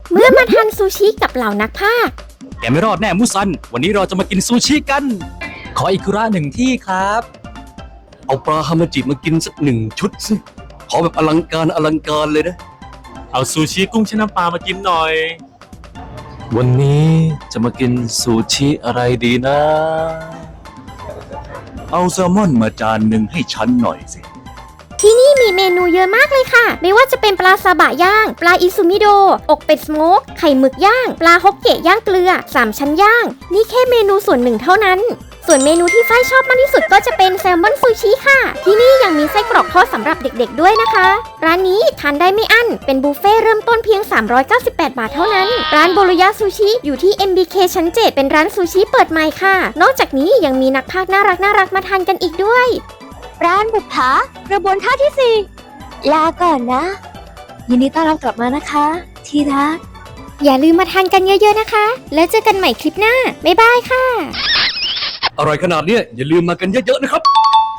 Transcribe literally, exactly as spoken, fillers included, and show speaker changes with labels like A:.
A: เมื่อมาทานซูชิกับเหล่านักพากย์
B: แกไม่รอดแน่มุซันวันนี้เราจะมากินซูชิกันขออิคุระหนึ่งที่ครับเอาปลาฮามาจิมากินสักหนึ่งชุดสิขอแบบอลังการอลังการเลยนะ
C: เอาซูชิกุ้งแช่น้ำปลามากินหน่อย
B: วันนี้จะมากินซูชิอะไรดีนะเอาแซลมอนมาจานหนึ่งให้ฉันหน่อยสิ
A: ที่นี่มีเมนูเยอะมากเลยค่ะไม่ว่าจะเป็นปลาซาบะย่างปลาอิซูมิโดอกเป็ดสโมกไข่หมึกย่างปลาฮกเกะย่างเกลือสามชั้นย่างนี่แค่เมนูส่วนหนึ่งเท่านั้นส่วนเมนูที่ฝ้ายชอบมากที่สุดก็จะเป็นแซลมอนซูชิค่ะที่นี่ยังมีไส้กรอกทอดสำหรับเด็กๆด้วยนะคะร้านนี้ทานได้ไม่อั้นเป็นบุฟเฟ่เริ่มต้นเพียงสามร้อยเก้าสิบแปดบาทเท่านั้นร้านโบโรยะซูชิอยู่ที่ เอ็ม บี เค ชั้นเจ็ดเป็นร้านซูชิเปิดใหม่ค่ะนอกจากนี้ยังมีนักพากย์น่ารักน่ารักมาทานกันอีกด้วย
D: ร้านบุปผากระบวนท่าที่สี่ลาก่อนนะยินดีต้อนรับกลับมานะคะที่รัก
A: อย่าลืมมาทานกันเยอะๆนะคะแล้วเจอกันใหม่คลิปหน้าบ๊ายบายค่ะ
B: อร่อยขนาดนี้อย่าลืมมากันเยอะๆนะครับ